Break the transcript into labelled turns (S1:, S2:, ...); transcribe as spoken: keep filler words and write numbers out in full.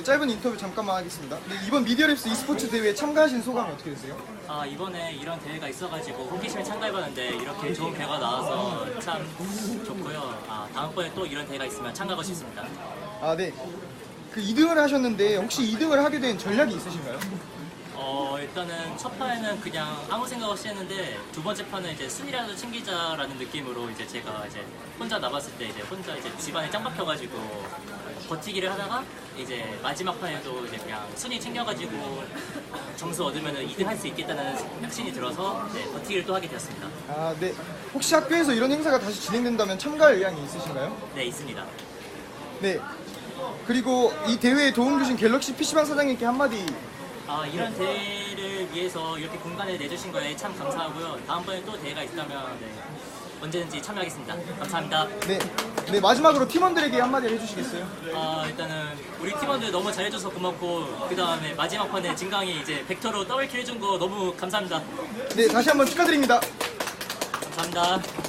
S1: 짧은 인터뷰 잠깐만 하겠습니다. 네, 이번 미디어랩스 e스포츠 대회에 참가하신 소감이 어떻게 되세요?
S2: 아, 이번에 이런 대회가 있어가지고 호기심에 참가해봤는데 이렇게 좋은 결과 나와서 참 좋고요. 아, 다음번에 또 이런 대회가 있으면 참가하고 싶습니다.
S1: 아, 네. 그 이 등을 하셨는데 혹시 이 등을 하게 된 전략이 있으신가요?
S2: 어, 일단은 첫 판에는 그냥 아무 생각 없이 했는데 두 번째 판은 이제 순위라도 챙기자라는 느낌으로 이제 제가 이제 혼자 나갔을 때 이제 혼자 이제 집안에 짱 박혀가지고 버티기를 하다가 이제 마지막 판에도 이제 그냥 순위 챙겨가지고 점수 얻으면은 이 등 할 수 있겠다는 확신이 들어서 이제 버티기를 또 하게 되었습니다.
S1: 아, 네. 혹시 학교에서 이런 행사가 다시 진행된다면 참가할 의향이 있으신가요?
S2: 네, 있습니다.
S1: 네. 그리고 이 대회에 도움 주신 갤럭시 피시방 사장님께 한마디.
S2: 아, 이런 대회를 위해서 이렇게 공간을 내주신 거에 참 감사하고요. 다음번에 또 대회가 있다면 네, 언제든지 참여하겠습니다. 감사합니다.
S1: 네. 네, 마지막으로 팀원들에게 한마디 해주시겠어요?
S2: 아, 일단은 우리 팀원들 너무 잘해줘서 고맙고 그 다음에 마지막 판에 진강이 이제 벡터로 더블킬 해준 거 너무 감사합니다.
S1: 네, 다시 한번 축하드립니다.
S2: 감사합니다.